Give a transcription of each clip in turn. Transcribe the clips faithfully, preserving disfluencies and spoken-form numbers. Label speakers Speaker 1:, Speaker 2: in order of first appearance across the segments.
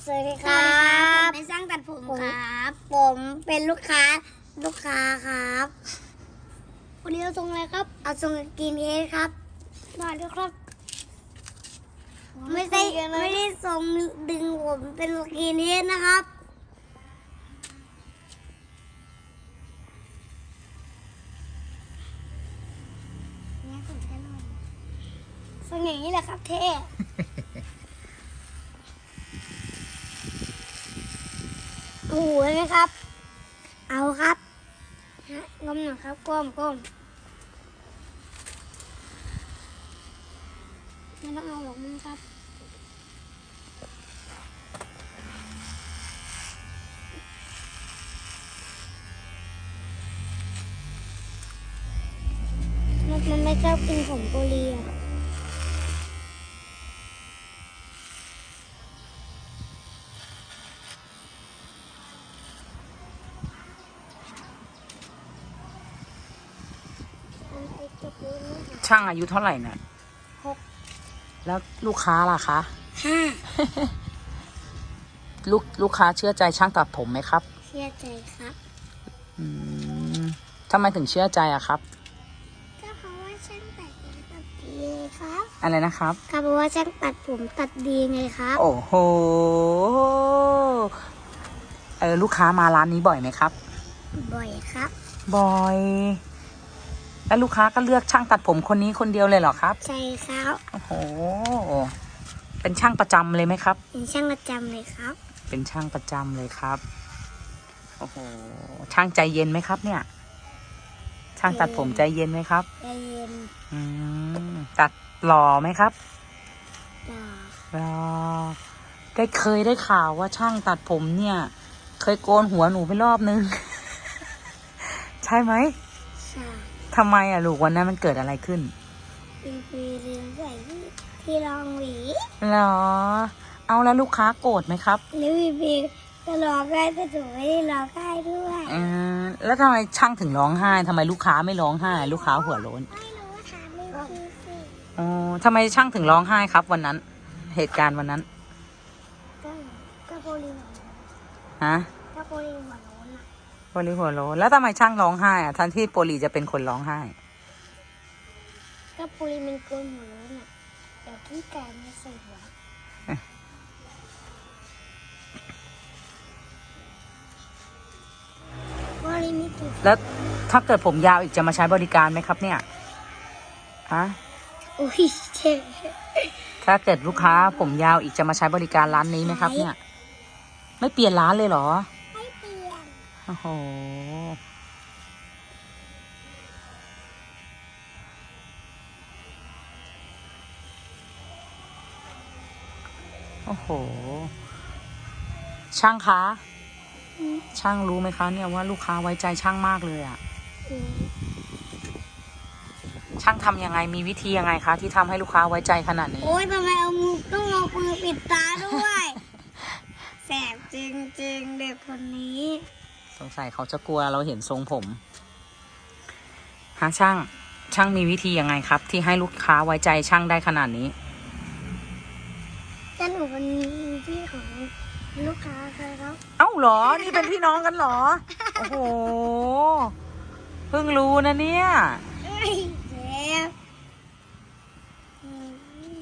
Speaker 1: สวัสดีครับ
Speaker 2: เป็นช่างตัดผมครับ
Speaker 1: ผมเป็นลูกค้าลูกค้าครับ
Speaker 2: วันนี้เราทรงอะไรครับ
Speaker 1: เอาทรงกินเฮดครับ
Speaker 2: มาด้วยครับ
Speaker 1: ไม่ได้ไม่ได้ทรงดึงผมเป็นกินเฮดนะครับทรงอย่างนี้แหละครับเท่โอ้โหไหมครับ เอาครับก้มหน่อยครับก้มก้มไม่ต้องเอาหรอกมั้งครับมันไม่ชอบกินผมโกเลีย
Speaker 3: ช่างอายุเท่าไหร่เนี่ย
Speaker 1: หก
Speaker 3: แล้วลูกค้าล่ะคะ
Speaker 1: ห้า
Speaker 3: ลูกลูกค้าเชื่อใจช่างตัดผมไหมครับ
Speaker 1: เชื่อใจครับ
Speaker 3: อืมทำไมถึงเชื่อใจอะครับ
Speaker 1: ก็เพราะว่าช่างตัดผมตัดดีครับ
Speaker 3: อะไรนะครับ
Speaker 1: ก็เพราะว่าช่างตัดผมตัดดีไงครับ
Speaker 3: โอ้โห เออลูกค้ามาร้านนี้บ่อยไหมครับ
Speaker 1: บ่อยครับ
Speaker 3: บ่อย แล้วลูกค้าก็เลือกช่างตัดผมคนนี้คนเดียวเลยเหรอครับ
Speaker 1: ใช่ครับ
Speaker 3: โอ้โห เป็นช่างประจำเลยไหมครับ
Speaker 1: เป็นช่างประจำเลยครับ
Speaker 3: เป็นช่างประจำเลยครับ โอ้โห ช่างใจเย็นไหมครับ เนี่ย ช่างตัดผมใจเย็นไหมครับ
Speaker 1: ใจเย็น
Speaker 3: อืม ตัดหล่อไหมครับ
Speaker 1: ต่อ
Speaker 3: หล่อได้เคยได้ข่าวว่าช่างตัดผมเนี่ย เคยโกนหัวหนูไปรอบนึง ใช่ไหม
Speaker 1: ใช่
Speaker 3: ทำไมอ่ะลูกวันนั้นมันเกิดอะไรขึ้น
Speaker 1: เป็นปีลืมใส่ที่รองหวี
Speaker 3: หรอ เอาแล้วลูกค้าโกรธไหมครับ
Speaker 1: หรือวีบีก็ร้องได้แต่ถูกไม่ได้ร้องได้ด้วย
Speaker 3: อืมแล้วทำไมช่างถึงร้องไห้ทำไมลูกค้าไม่ร้องไห้ ลูกค้าหัวโล้น
Speaker 1: ไม่รู้ว่าถามไม่คือสิ
Speaker 3: อ๋อทำไมช่างถึงร้องไห้ครับ วันนั้น เหตุการณ์วันนั้น
Speaker 1: ก็ก็โปลีหัวโล้น
Speaker 3: ฮะ
Speaker 1: ก็โปลีหัวโล้นอ่ะ
Speaker 3: โปลีหัวโล้นแล้วทำไมช่างร้องไห้อ่ะทันที่โปลีจะเป็นคนร้องไห้
Speaker 1: ก็โปลีมันโกนหัวโล้นอ่ะเดี๋ยวพี่แกไม่ใส่หัวโปลีมีตุ่
Speaker 3: แล้วถ้าเกิดผมยาวอีกจะมาใช้บริการไหมครับ เนี่ยฮะ
Speaker 1: อุ้ยเจ็บ
Speaker 3: ถ้าเกิดลูกค้าผมยาวอีกจะมาใช้บริการร้านนี้ไหมครับ เนี่ย ไม่เปลี่ยนร้านเลยเหรอ
Speaker 1: ไม่เปลี่ยน
Speaker 3: โอ้โห โอ้โห ช่างคะ ช่างรู้ไหมคะเนี่ยว่าลูกค้าไว้ใจช่างมากเลยอะช่างทำยังไงมีวิธียังไงคะที่ทำให้ลูกค้าไว้ใจขนาดนี้
Speaker 1: โอ้ยทำไมเอามือต้องเอามือปิดตาด้วย แสบจริงๆเด็กคนนี้
Speaker 3: สงสัยเขาจะกลัวเราเห็นทรงผมฮะช่าง ช่างมีวิธียังไงครับ ที่ให้ลูกค้าไว้ใจช่างได้ขนาดนี้
Speaker 1: แต่หนูเป็นพี่ของลูกค้าเคยครับ
Speaker 3: เอ้าเหรอ นี่เป็นพี่น้องกันเหรอ โอ้โห เพิ่งรู้นะเนี่ย
Speaker 1: เอ้ยเจ็บอืม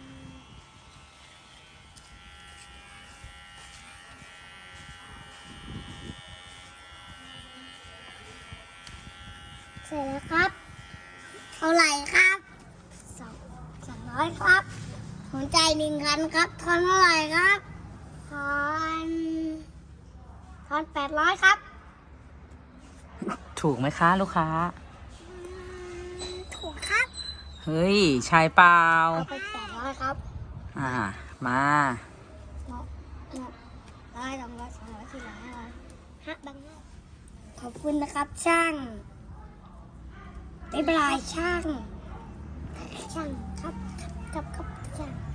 Speaker 1: เสร็จแล้วครับ เท่าไหร่ครับสองสองร้อยครับหัวใจหนึ่งคันครับทอนเท่าไหร่ครับทอนทอนแปดร้อยครับ
Speaker 3: ถูกไหมคะลูกค้า
Speaker 1: ถูกครับ
Speaker 3: เฮ้ยใช่เปล่า
Speaker 1: เอาไปแปดร้อยครับ
Speaker 3: อ่า มา
Speaker 1: เนาะเนาะได้สองร้อยสองร้อยสี่ร้อยห้าร้อยห้าบังขอบคุณนะครับช่างบ๊ายบายช่าง ช่างครับครับครับครับช่าง